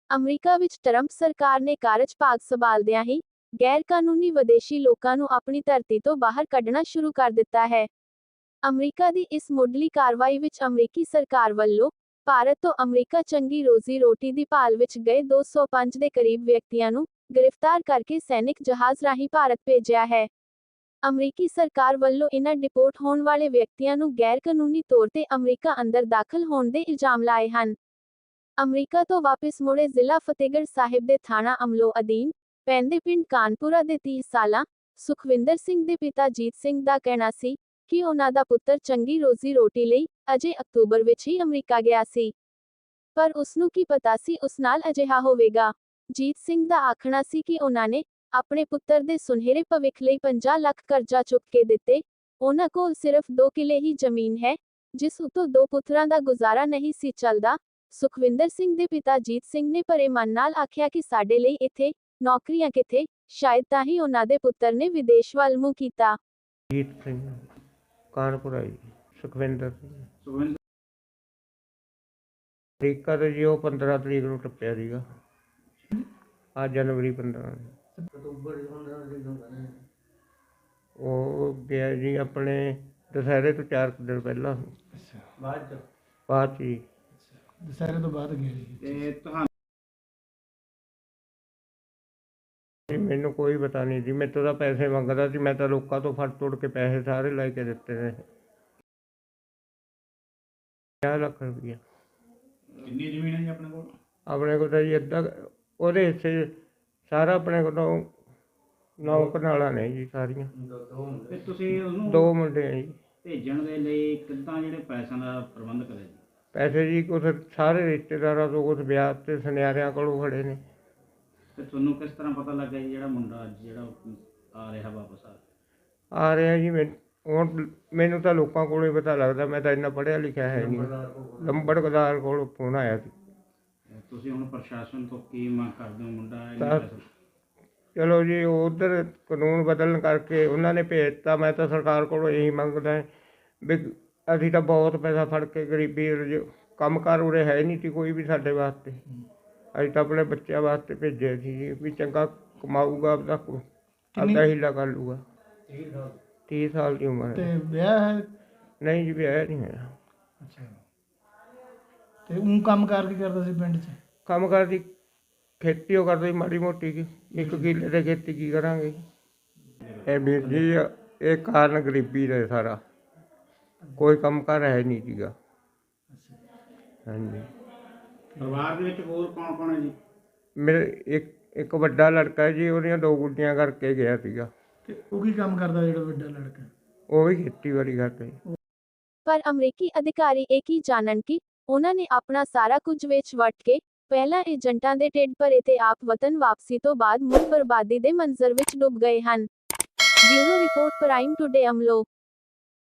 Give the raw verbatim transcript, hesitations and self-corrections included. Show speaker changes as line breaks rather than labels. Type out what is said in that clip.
America ਵਿੱਚ Trump ਸਰਕਾਰ ਨੇ ਕਾਰਜਭਾਗ ਸੰਭਾਲਦਿਆਂ ਹੀ ਗੈਰ ਕਾਨੂੰਨੀ ਵਿਦੇਸ਼ੀ ਲੋਕਾਂ ਨੂੰ ਆਪਣੀ ਧਰਤੀ ਤੋਂ ਬਾਹਰ ਕੱਢਣਾ ਸ਼ੁਰੂ ਕਰ ਦਿੱਤਾ ਹੈ। ਅਮਰੀਕਾ ਦੀ ਇਸ ਮੁੱਢਲੀ ਕਾਰਵਾਈ ਵਿੱਚ ਅਮਰੀਕੀ ਸਰਕਾਰ ਵੱਲੋਂ ਭਾਰਤ ਤੋਂ ਅਮਰੀਕਾ ਚੰਗੀ ਰੋਜ਼ੀ ਰੋਟੀ ਦੀ ਭਾਲ ਵਿੱਚ ਗਏ ਦੋ ਸੌ ਪੰਜ ਦੇ ਕਰੀਬ ਵਿਅਕਤੀਆਂ ਨੂੰ ਗ੍ਰਿਫਤਾਰ ਕਰਕੇ ਸੈਨਿਕ ਜਹਾਜ਼ ਰਾਹੀਂ ਭਾਰਤ ਭੇਜਿਆ ਹੈ। ਅਮਰੀਕੀ ਸਰਕਾਰ ਵੱਲੋਂ ਇਨ੍ਹਾਂ ਡਿਪੋਰਟ ਹੋਣ ਵਾਲੇ ਵਿਅਕਤੀਆਂ ਨੂੰ ਗੈਰ ਕਾਨੂੰਨੀ ਤੌਰ ਤੇ ਅਮਰੀਕਾ ਅੰਦਰ ਦਾਖਲ ਹੋਣ ਦੇ ਇਲਜ਼ਾਮ ਲਾਏ ਹਨ। ਅਮਰੀਕਾ ਤੋਂ ਵਾਪਿਸ ਮੁੜੇ ਜ਼ਿਲ੍ਹਾ ਫਤਿਹਗੜ੍ਹ ਸਾਹਿਬ ਦੇ ਥਾਣਾ ਅਮਲੋਹ ਅਧੀਨ ਪੈਂਦੇ ਪਿੰਡ ਕਾਨਪੁਰਾ ਦੇ ਤੀਹ ਸਾਲਾ ਸੁਖਵਿੰਦਰ ਸਿੰਘ ਦੇ ਪਿਤਾ ਜੀਤ ਸਿੰਘ ਦਾ ਕਹਿਣਾ ਸੀ ਕਿ ਉਹਨਾਂ ਦਾ ਪੁੱਤਰ ਚੰਗੀ ਰੋਜ਼ੀ ਰੋਟੀ ਲਈ ਅਜੇ ਅਕਤੂਬਰ ਵਿੱਚ ਹੀ ਅਮਰੀਕਾ ਗਿਆ ਸੀ, ਪਰ ਉਸ ਨੂੰ ਕੀ ਪਤਾ ਸੀ ਉਸ ਨਾਲ ਅਜਿਹਾ ਹੋਵੇਗਾ। ਜੀਤ ਸਿੰਘ ਦਾ ਆਖਣਾ ਸੀ ਕਿ ਉਹਨਾਂ ਨੇ ਆਪਣੇ ਪੁੱਤਰ ਦੇ ਸੁਨਹਿਰੇ ਭਵਿੱਖ ਲਈ ਪੰਜਾਹ ਲੱਖ ਕਰਜ਼ਾ ਚੁੱਕ ਕੇ ਦਿੱਤੇ। ਉਹਨਾਂ ਕੋਲ ਸਿਰਫ ਦੋ ਕਿੱਲੇ ਹੀ ਜ਼ਮੀਨ ਹੈ, ਜਿਸ ਉੱਤੋਂ ਦੋ ਪੁੱਤਰਾਂ ਦਾ ਗੁਜ਼ਾਰਾ ਨਹੀਂ ਸੀ ਚੱਲਦਾ। ਸੁਖਵਿੰਦਰ ਸਿੰਘ ਦੇ ਪਿਤਾ ਜੀਤ ਸਿੰਘ ਨੇ ਭਰੇ ਮਨ ਨਾਲ ਆਖਿਆ ਕਿ ਸਾਡੇ ਲਈ ਇੱਥੇ ਨੌਕਰੀਆਂ ਕਿੱਥੇ, ਸ਼ਾਇਦ ਤਾਂ ਹੀ ਉਹਨਾਂ ਦੇ ਪੁੱਤਰ ਨੇ ਵਿਦੇਸ਼ ਵੱਲ ਮੂੰਹ ਕੀਤਾ।
ਜੀਤ ਸਿੰਘ ਕਾਨਪੁਰਾ ਜੀ, ਸੁਖਵਿੰਦਰ ਸਿੰਘ ਅਮਰੀਕਾ ਤੋਂ ਜੀ ਉਹ ਪੰਦਰਾਂ ਤਰੀਕ ਨੂੰ ਟੱਪਿਆ ਸੀਗਾ। ਅੱਜ ਜਨਵਰੀ ਪੰਦਰਾਂ ਉਹ ਗਿਆ ਜੀ ਆਪਣੇ ਦੁਸਹਿਰੇ ਤੋਂ ਚਾਰ ਕੁ ਦਿਨ ਪਹਿਲਾਂ। ਬਾਅਦ ਬਾਅਦ ਜੀ
ਦੁਸਹਿਰੇ ਤੋਂ ਬਾਅਦ ਗਿਆ ਜੀ।
ਤੇ ਤੁਹਾਨੂੰ ਮੈਨੂੰ ਕੋਈ ਪਤਾ ਨਹੀਂ ਜੀ, ਮੇਰੇ ਤੋਂ ਤਾਂ ਪੈਸੇ ਮੰਗਦਾ ਸੀ। ਮੈਂ ਤਾਂ ਲੋਕਾਂ ਤੋਂ ਫੜ ਤੋੜ ਕੇ ਪੈਸੇ ਸਾਰੇ ਲੈ ਕੇ ਦਿੱਤੇ ਨੇ। ਪੰਜਾਹ ਲੱਖ ਰੁਪਈਆ।
ਕਿੰਨੀ ਜ਼ਮੀਨ ਹੈ ਜੀ ਆਪਣੇ ਕੋਲ?
ਆਪਣੇ ਕੋਲ ਤਾਂ ਜੀ ਅੱਧਾ ਉਹਦੇ ਹਿੱਸੇ ਸਾਰਾ ਆਪਣੇ ਕੋਲੋਂ ਨੌ ਕਨਾਲਾਂ ਨੇ ਜੀ ਸਾਰੀਆਂ।
ਤੇ ਤੁਸੀਂ ਉਹਨੂੰ
ਦੋ ਮੁੰਡੇ ਆ ਜੀ।
ਭੇਜਣ ਦੇ ਲਈ ਕਿੱਦਾਂ ਜਿਹੜੇ ਪੈਸਿਆਂ ਦਾ ਪ੍ਰਬੰਧ ਕਰਿਆ ਜੀ?
ਪੈਸੇ ਜੀ ਕੁਛ ਸਾਰੇ ਰਿਸ਼ਤੇਦਾਰਾਂ ਤੋਂ, ਕੁਛ ਵਿਆਹ ਤੇ ਸੁਨਿਆਰਿਆਂ ਕੋਲੋਂ ਖੜੇ ਨੇ।
ਤੇ ਤੁਹਾਨੂੰ ਕਿਸ ਤਰ੍ਹਾਂ ਪਤਾ ਲੱਗਾ ਜੀ ਜਿਹੜਾ ਮੁੰਡਾ ਅੱਜ ਜਿਹੜਾ ਆ ਰਿਹਾ ਵਾਪਸ ਆ
ਆ ਰਿਹਾ ਜੀ। ਮੈਂ ਹੁਣ ਮੈਨੂੰ ਤਾਂ ਲੋਕਾਂ ਕੋਲੋਂ ਹੀ ਪਤਾ ਲੱਗਦਾ, ਮੈਂ ਤਾਂ ਇੰਨਾ ਪੜ੍ਹਿਆ ਲਿਖਿਆ ਹੈ ਨਹੀਂ। ਲੰਬੜਦਾਰ ਕੋਲੋਂ ਫੋਨ ਆਇਆ ਸੀ।
ਤੁਸੀਂ ਹੁਣ ਪ੍ਰਸ਼ਾਸਨ ਤੋਂ ਕੀ ਮੰਗ ਕਰਦੇ ਹੋ? ਮੁੰਡਾ ਇੰਨੇ
ਤਾਂ
ਪੈਸੇ-
ਚਲੋ ਜੀ, ਉਧਰ ਕਾਨੂੰਨ ਬਦਲਣ ਕਰਕੇ ਉਹਨਾਂ ਨੇ ਭੇਜਤਾ। ਮੈਂ ਤਾਂ ਸਰਕਾਰ ਕੋਲੋਂ ਇਹੀ ਮੰਗਦਾ ਵੀ ਅਸੀਂ ਤਾਂ ਬਹੁਤ ਪੈਸਾ ਫੜ ਕੇ ਗਰੀਬੀ ਕੰਮ ਕਾਰ ਉਰੇ ਹੈ ਨਹੀਂ ਸੀ ਕੋਈ ਵੀ ਸਾਡੇ ਵਾਸਤੇ। ਅਸੀਂ ਤਾਂ ਆਪਣੇ ਬੱਚਿਆਂ ਵਾਸਤੇ ਭੇਜਿਆ ਸੀ ਜੀ ਵੀ ਚੰਗਾ ਕਮਾਊਗਾ, ਆਪਦਾ ਆਪਦਾ ਹੀਲਾ ਕਰ ਲੂਗਾ। ਤੀਹ ਸਾਲ ਦੀ ਉਮਰ
ਤੇ
ਹੈ।
ਵਿਆਹ ਹੈ?
ਨਹੀਂ ਜੀ, ਵਿਆਹ ਨਹੀਂ ਹੋਇਆ।
ਅੱਛਾ। ਤੇ ਉਹ ਕੰਮ ਕਾਰ ਕੀ ਕਰਦਾ ਸੀ ਪਿੰਡ 'ਚ?
ਕੰਮ ਕਰਦੀ ਖੇਤੀ ਉਹ ਕਰਦੇ ਮਾੜੀ ਮੋਟੀ ਕੀ, ਇੱਕ ਕਿੱਲੇ ਦੇ ਖੇਤੀ ਕੀ ਕਰਾਂਗੇ। ਇਹ ਵੀਰ ਜੀ ਇਹ ਕਾਰਨ ਗਰੀਬੀ ਦਾ ਸਾਰਾ, ਕੋਈ ਕੰਮ ਕਾਰ ਹੈ ਨਹੀਂ ਸੀਗਾ। ਹਾਂਜੀ।
ਪਰਿਵਾਰ ਦੇ ਵਿੱਚ ਹੋਰ ਕੌਣ ਕੌਣ ਹੈ ਜੀ?
ਮੇਰੇ ਇੱਕ ਇੱਕ ਵੱਡਾ ਲੜਕਾ ਹੈ ਜੀ, ਉਹਦੀਆਂ ਦੋ ਗੁੱਡੀਆਂ ਕਰਕੇ ਗਿਆ ਸੀਗਾ।
ਤੇ ਉਹ ਕੀ ਕੰਮ ਕਰਦਾ ਜਿਹੜਾ ਵੱਡਾ ਲੜਕਾ?
ਉਹ ਵੀ ਖੇਤੀਬਾੜੀ ਕਰਦਾ ਜੀ।
ਪਰ ਅਮਰੀਕੀ ਅਧਿਕਾਰੀ ਇਹ ਕੀ ਜਾਣਨ ਕਿ ਉਹਨਾਂ ਨੇ ਆਪਣਾ ਸਾਰਾ ਕੁਝ ਵੇਚ ਵੱਟ ਕੇ ਪਹਿਲਾਂ ਏਜੰਟਾਂ ਦੇ ਢਿੱਡ ਭਰੇ ਤੇ ਆਪ ਵਤਨ ਵਾਪਸੀ ਤੋਂ ਬਾਅਦ ਮੁੜ ਬਰਬਾਦੀ ਦੇ ਮੰਜ਼ਰ ਵਿੱਚ ਡੁੱਬ ਗਏ ਹਨ। Bureau report prime today Amloh.